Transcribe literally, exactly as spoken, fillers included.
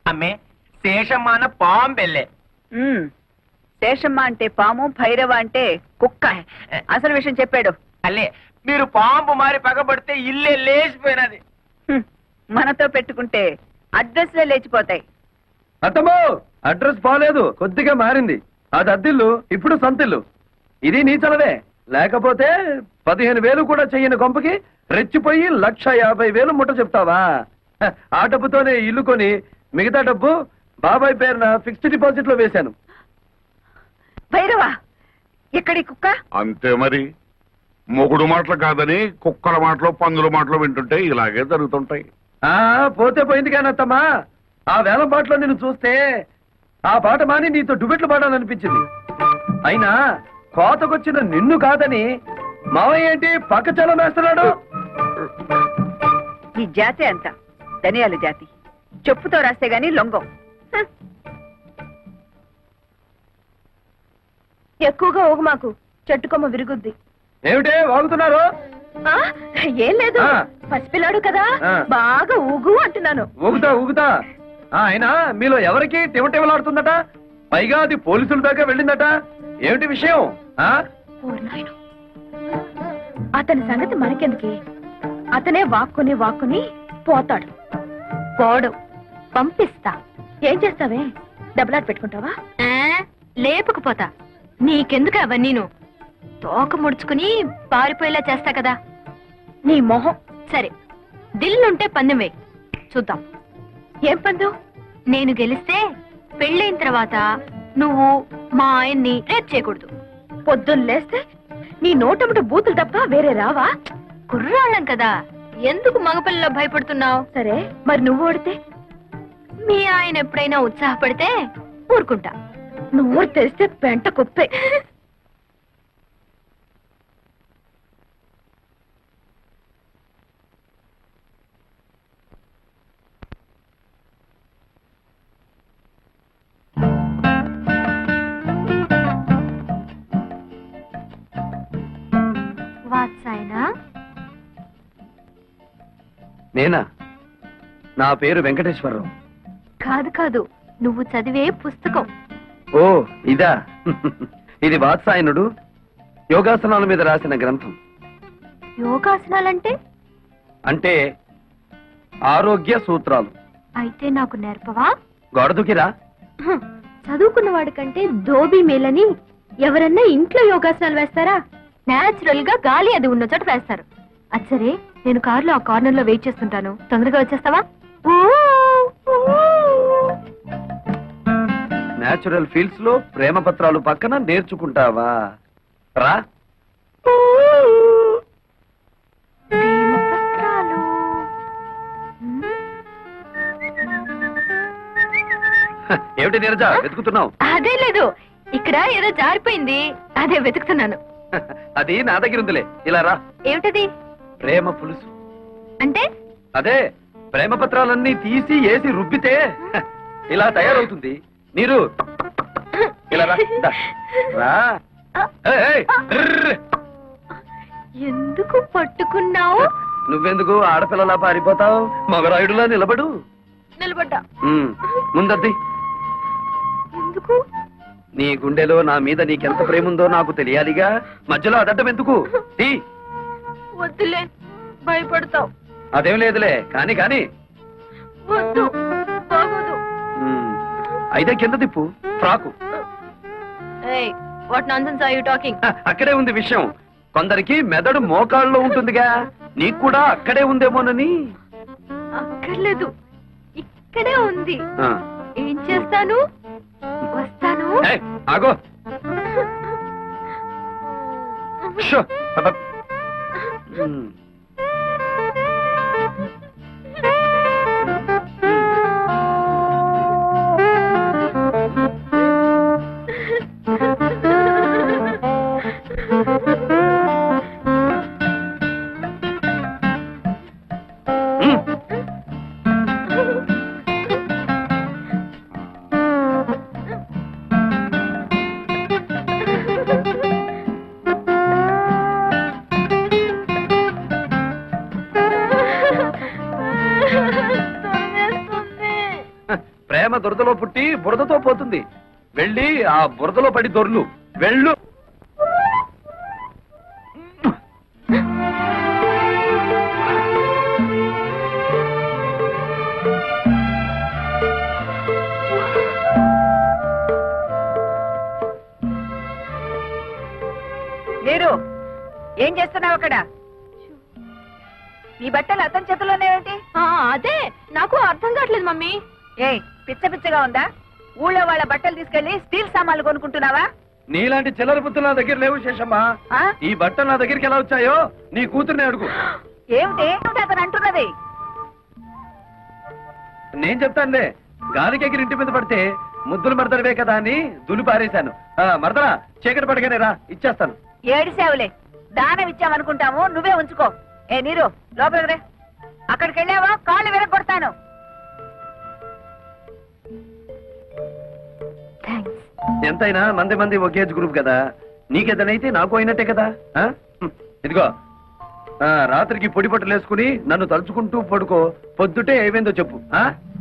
అమ్మే శేషమ్మ అన్న పాంబెల్లే. శేషమ్మ అంటే పాము, భైరవ అంటే కుక్క. అసలు విషయం చెప్పాడు. అల్లే మీరు పాంపు మారి పగబడితే ఇల్లే లేచిపోయినది. మనతో పెట్టుకుంటే అడ్రస్లే లేచిపోతాయి. అత్తమ్మో, అడ్రస్ బాలేదు, కొద్దిగా మారింది. అది అద్దిల్లు, ఇప్పుడు సొంతిల్లు. ఇది నీ చలవే. లేకపోతే పదిహేను వేలు కూడా చెయ్యని కొంపకి రెచ్చిపోయి లక్ష యాభై వేలు ముట్ట చెప్తావా? ఆ డబ్బుతోనే ఇల్లు కొని మిగతా డబ్బు బాబాయ్ పేరున ఫిక్స్డ్ డిపాజిట్ లో వేశాను. భైరవా, ఎక్కడి కుక్క? అంతే మరి. మొగుడు మాటలు కాదని కుక్కల మాటలు పందుల మాటలు వింటుంటే ఇలాగే జరుగుతుంటాయి. ఆ పోతే పోయింది కానీ అత్తమ్మా, ఆ వేలం పాటలో నిన్ను చూస్తే ఆ పాట మాని నీతో డుబెట్లు పాడాలనిపించింది. అయినా కోతకొచ్చిన నిన్ను కాదని మావయ్య ఏంటి పక్క చలం వేస్తున్నాడు? ఈ జాతి అంత ధనియాల జాతి. చెప్పుతో రాస్తే గాని లొంగం. ఎక్కువగా ఊగు మాకు, చెట్టుకొమ్మ విరుగుద్ది. ఏమిటే వాగుతున్నారు? ఏం లేదు, పసిపిల్లాడు కదా, బాగా ఊగు అంటున్నాను. ఊగుతా ఊగుతా. అయినా మీలో ఎవరికి టిమటిమలాడుతుందట? పైగా అది పోలీసుల దాకా వెళ్ళిందట. ఏమిటి విషయం? అతని సంగతి మనకెందుకే, అతనే వాక్కుని వాక్కుని పోతాడు. పోడు, పంపిస్తా. ఏం చేస్తావే, డబ్బులాట పెట్టుకుంటావా? లేపుకుపోతా. నీకెందుకు అవన్నీ? తోక ముడుచుకుని పారిపోయేలా చేస్తా కదా. నీ మొహం. సరే, దిల్లుంటే పందెం వేయి, చూద్దాం. ఏం పందెం? నేను గెలిస్తే పెళ్ళైన తర్వాత నువ్వు మా ఆయన్ని రేప్ చేయకూడదు. పొద్దున్న లేస్తే నీ నోటముట బూతులు తప్ప వేరే రావా? కుర్రాళ్ళం కదా, ఎందుకు మగపిల్లలో భయపడుతున్నావు? సరే, మరి నువ్వు ఓడితే? మీ ఆయన ఎప్పుడైనా ఉత్సాహపడితే ఊరుకుంటా. నువ్వు తెరిస్తే పెంట కుప్పే. నేనా? నా పేరు వెంకటేశ్వరరావు. కాదు కాదు, నువ్వు చదివే పుస్తకం. ఓ ఇదా? ఇది వాత్సాయనుడు యోగాసనాల మీద రాసిన గ్రంథం. యోగాసనాలంటే? అంటే ఆరోగ్య సూత్రాలు. అయితే నాకు నేర్పవా? గొడదుకిరా. చదువుకున్న వాడికంటే దోబీ మేలని ఎవరన్నా ఇంట్లో యోగాసనాలు వేస్తారా? నేచురల్ గా గాలి అది ఉన్న చోట వేస్తారు. అచ్చరే, నేను కారులో ఆ కార్నర్ లో వెయిట్ చేస్తుంటాను, తొందరగా వచ్చేస్తావా? నేచురల్ ఫీల్డ్స్ లో ప్రేమ పత్రాలు పక్కన నేర్చుకుంటావా? రా. ఏమిటి నీరజ వెతుకుతున్నావు? అదే లేదు, ఇక్కడ ఏదో జారిపోయింది, అదే వెతుకుతున్నాను. అది నా దగ్గర ఉందిలే, ఇలా రా. ఏమిటది? ప్రేమ పులుసు. అంటే? అదే, ప్రేమ పత్రాలన్నీ తీసి వేసి రుబ్బితే ఇలా తయారవుతుంది. నీరు ఇలా రా. రా. ఎందుకు పట్టుకున్నావు? నువ్వెందుకు ఆడపిల్లలా పారిపోతావు? మగరాయుడులా నిలబడు. నిలబడ్డా. ముందద్ది. ఎందుకు? నీ గుండెలో నా మీద నీకెంత ప్రేమ ఉందో నాకు తెలియాలిగా. మధ్యలో అదడ్డం ఎందుకు? వద్దులే, భయపడతావు. అదేం లేదులే, కాని కాని. వద్దు, బాగోదు. అయితే కింద తిప్పు frock. What nonsense are you talking? అక్కడే ఉంది విషయం. కొందరికి మెదడు మోకాళ్ళలో ఉంటుందిగా, నీకు కూడా అక్కడే ఉందేమోనని. అక్కర్లేదు, ఇక్కడే ఉంది. ఏం చేస్తాను? వస్తాను. ఆగో. ప్రేమ దురదలో పుట్టి బురదతో పోతుంది. వెళ్ళి ఆ బురదలో పడి దొర్లు. వెళ్ళు. మీరు ఏం చేస్తున్నావు అక్కడ? నీ బట్టలు అతని చేతుల్లోనే ఏంటి? అదే నాకు అర్థం కావట్లేదు మమ్మీ. ఏ పిచ్చ పిచ్చగా ఉందా? ఊళ్ళో వాళ్ళ బట్టలు తీసుకెళ్లి స్టీల్ సామాన్లు కొనుక్కుంటున్నావా? నీలాంటి చిల్లర బుద్ధులు నా దగ్గర లేవు శేషమ్మా. ఆ? ఈ బట్టలు నా దగ్గరికి ఎలా వచ్చాయో నీ కూతుర్నే అడుగు. ఏమిటి అతను అంటున్నది? నేను చెప్తానులే. గాలికి ఎగిరి ఇంటి మీద పడితే ముద్దులు మరదడవే కదా అని దులు పారేశాను. ఆ, మరదరా చీకటి పడగానే రా, ఇచ్చేస్తాను. ఏడిసేవులే, దానం ఇచ్చామనుకుంటాము, నువ్వే ఉంచుకో. ఏ నీరు లోపలికి రే. అక్కడికి వెళ్ళావా కాళ్ళు విరగొడతాను. థ్యాంక్స్. ఎంతైనా మంది మంది ఒకే ఏజ్ గ్రూప్ కదా. నీకేదనైతే నాకు అయినట్టే కదా. ఆ? హ్మ్. ఇదిగో ఆ, రాత్రికి పొడి పట్టులు వేసుకుని నన్ను తలుచుకుంటూ పడుకో. పొద్దుటే ఏమైందో చెప్పు. ఆ